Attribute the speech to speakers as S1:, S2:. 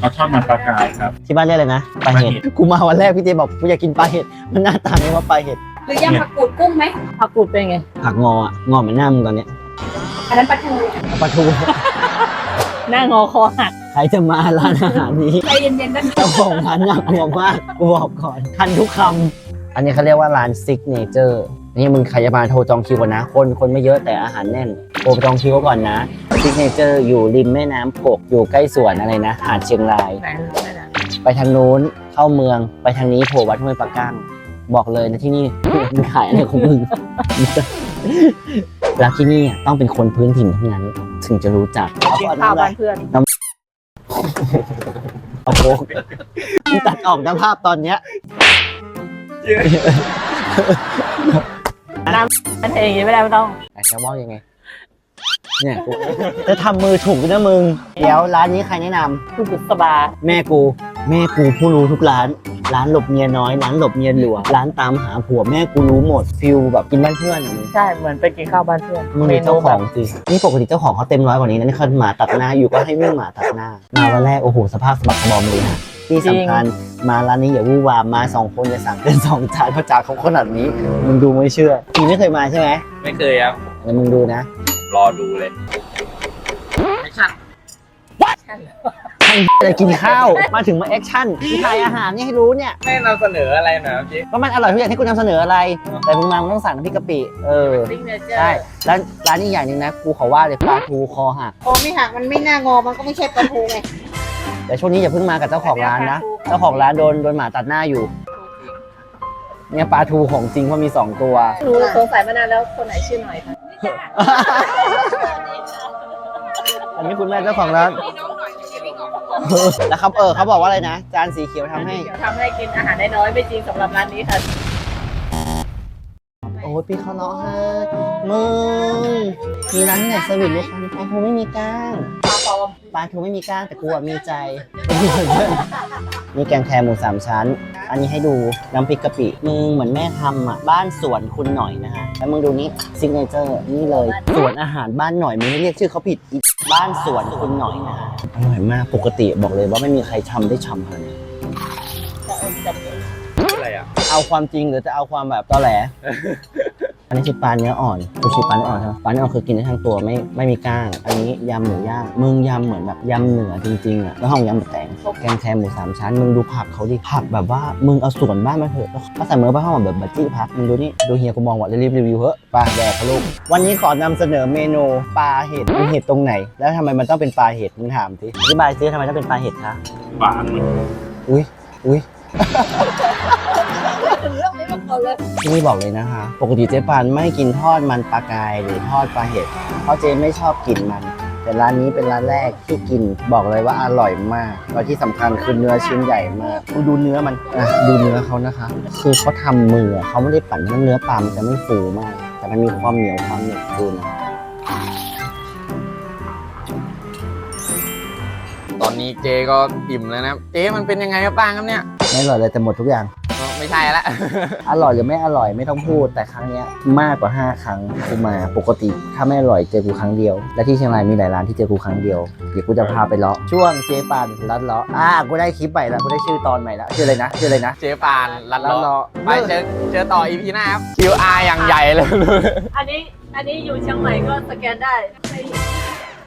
S1: เอาทอดมันปลากรายครับ
S2: ที่บ้านเรียกอะไรนะปลาเห็ดกูมาวันแรกพี่เจบอกกูอยากกินปลาเห็ดมันหน้าตาไม่ว่าปลาเห็ด
S3: หรือยำผักกูดกุ้งไหมผักกูดเป็นไง
S2: ผักงออะงอเหมือนหน้ามึงตอนเนี้ย
S3: อันนั้นปลาทู
S2: ปลาทู
S3: หน้างอคอหัก
S2: ใครจะมาร้านอาหารนี้
S3: ใจเย็นๆนะ
S2: เจ้าของร้านน่ากลัวมากกูบอกก่อนทันทุกคำอันนี้เขาเรียกว่าร้านซิกเนเจอร์นี่มึงใครจะมาโทรจองคิวก่อนนะคนไม่เยอะแต่อาหารแน่นโทรจองคิวก่อนนะซิกเนเจอร์อยู่ริมแม่น้ำกกอยู่ใกล้สวนอะไรนะหาดเชียงราย ไปทางนู้นเข้าเมืองไปทางนี้โผล่วัดห้วยปะก้างบอกเลยนะที่นี่ มึงขายอะไรของมึง แล้วที่นี่ต้องเป็นคนพื้นถิ่นเท่านั้นถึงจะรู้จัก
S3: กินข้าวบ้านเพื่อน
S2: เอาโค้กมึงตัดออกนะภาพตอนเนี้ย
S3: มันเองไม่ได้ไม่ต้อง
S2: แต่จะว่ายังไงเนี่ยกูจะทำมือถูกนะมึงเดี๋ยวร้านนี้ใครแนะนำ
S3: คือบุษบา
S2: แม่กูผู้รู้ทุกร้านหลบเมียน้อยร้านหลบเมียหลวงร้านตามหาผัวแม่กูรู้หมดฟิลแบบกินบ้านเพื่อนอะมึง
S3: ใช่เหมือนไปกินข้าวบ้านเพื่อน
S2: มึงมีเจ้าของสินี่ปกติเจ้าของเขาเต็มร้อยกว่านี้นะนี่เขาหมาตัดหน้าอยู่ก็ให้วิ่งหมาตัดหน้ามาวันแรกโอ้โหสภาพสะบักสะบอมเลยนะที่สำคัญมาร้านนี้อย่าวู่วามมา2 คนอย่าสั่งเกิน2 จานเพราะจานเขาขนาดนี้มึงดูไม่เชื่อพี่ไม่เคยมาใช่ไหม
S1: ไม่เคยครับ
S2: เดี๋ยวมึงดูนะ
S1: รอดูเลยแอคชั่น
S2: อะไรกินข้าวมาถึงมาแอคชั่นที่ทายอาหารนี่ให้รู้เนี่ย
S1: ไม่นำเสนออะไรหน่อยครับพี่
S2: ว่ามันอร่อยทุกอย่างที่คุณนำเสนออะไร แต่มึงมามึงต้องสั่งน้ำพริกกะปิ
S3: ซิกเนเจอร์
S2: ใช่ร้านนี้อย่างหนึ่งนะกูขอว่าเลยปลาทูคอหัก
S4: โอ้ไม่หักมันไม่น่างอ มันก็ไม่ใช่ปลาทูไง
S2: แต่ช่วงนี้อย่าเพิ่งมากับเจ้าของร้านนะเจ้าของร้านโดนหมาตัดหน้าอยู่เนี่ยปลาทูของจริงเพราะมี2 ตัว
S3: รู้สงสัยมานานแล้วคนไหนชื่อหน่อยคะ
S2: อันนี้คุณแม่เจ้าของร้านแล้วครับเขาบอกว่าอะไรนะจานสีเขียวทำให้
S3: เดี๋ยวทำให้กินอาหารได้น้อยไม่จริงสำหรับร้านนี้ค่ะ
S2: โอ้ยพี่เขาร้องไห้มึงมีร้านที่ไหนสวิตเลยค่ะปลาทูไม่มีก้าง
S3: ปลาปลอม
S2: ปลาทูไม่มีก้างแต่กูอะมีใจมีแกงแคหมู3 ชั้น อันนี้ให้ดูน้ำพริกกะปิมึงเหมือนแม่ทำอ่ะบ้านสวนคุณหน่อยนะฮะแล้วมึงดูนี่ซิกเนเจอร์นี่เลยสวนอาหารบ้านหน่อยมึงไม่เรียกชื่อเขาผิดอีบ้านสวนคุณหน่อยนะฮะอร่อยมากปกติบอกเลยว่าไม่มีใครทำได้ฉ่ำขนาดนี้
S1: อะไรอ่ะ
S2: เอาความจริงหรือจะเอาความแบบตอแหล อันนี้คือปลาเนื้ออ่อนกูชิปลาเนื้ออ่อนใช่ไหมปลาเนื้ออ่อนคือกินได้ทั้งตัวไม่มีก้าง อันนี้ยำหมูย่างมึงยำเหมือนแบบยำเหนือจริงๆอ่ะแล้วห้องยำแบบแตงแกงแคหมู3 ชั้นมึงดูผักเขาดิผักแบบว่ามึงเอาส่วนบ้านมาเถอะก็ใส่มือไปห้องแบบบัจจี้พักมึงดูนี่ดูเฮียกูมองว่ารีบรีวิวเถอะปลาแดกเขาลูกวันนี้ขอนำเสนอเมนูปลาเห็ดมีเห็ดตรงไหน แล้วทำไมมันต้องเป็นปลาเห็ดมึงถามสิอธิบายซิทำไมต้องเป็นปลาเห็ดคะ
S1: หวานมัน
S2: อุ้ย
S3: ถึงเรื่องนี้มาก่อนเลย
S2: ที่นี่บอกเลยนะคะปกติเจ๊ปานไม่กินทอดมันปลากายหรือทอดปลาเห็ดเพราะเจ๊ไม่ชอบกินมัน แต่ร้านนี้เป็นร้านแรกที่กินบอกเลยว่าอร่อยมากแล้วที่สำคัญคือเนื้อชิ้นใหญ่มากดูเนื้อมันดูเนื้อเขานะคะ คือเขาทำมือเขาไม่ได้ปั่นเนื้อปลามันจะไม่ฟูมาก แต่มันมีความเหนียวความหนึบดูนะ
S5: ตอนนี้เจ๊ก็อิ่มแล้วนะครับเจ๊มันเป็นยังไงครับบ้างครับเนี่ย
S2: ไม่อร่อยเลยแต่หมดทุกอย่าง
S5: ไม่ใช่ละ
S2: อร่อยหรือไม่อร่อยไม่ต้องพูดแต่ครั้งเนี้ยมากกว่า5 ครั้งกูมาปกติถ้าไม่อร่อยเจอกูครั้งเดียวและที่เชียงรายมีหลายร้านที่เจอกูครั้งเดียวเดี๋ยวกูจะพาไปเลาะช่วงเจ๊ปานลัดเลาะกูได้คลิปใหม่แล้วกูได้ชื่อตอนใหม่แล้วชื่ออะไรนะ
S5: เจ๊ปานลัด
S2: ลัด
S5: เลาะ
S2: เลาะ
S5: ไปเจอต่ออีพีหน้าครับ QR อย่างใหญ่เลย
S3: อันนี้อยู่เชียงใหม่ก็สแกนได้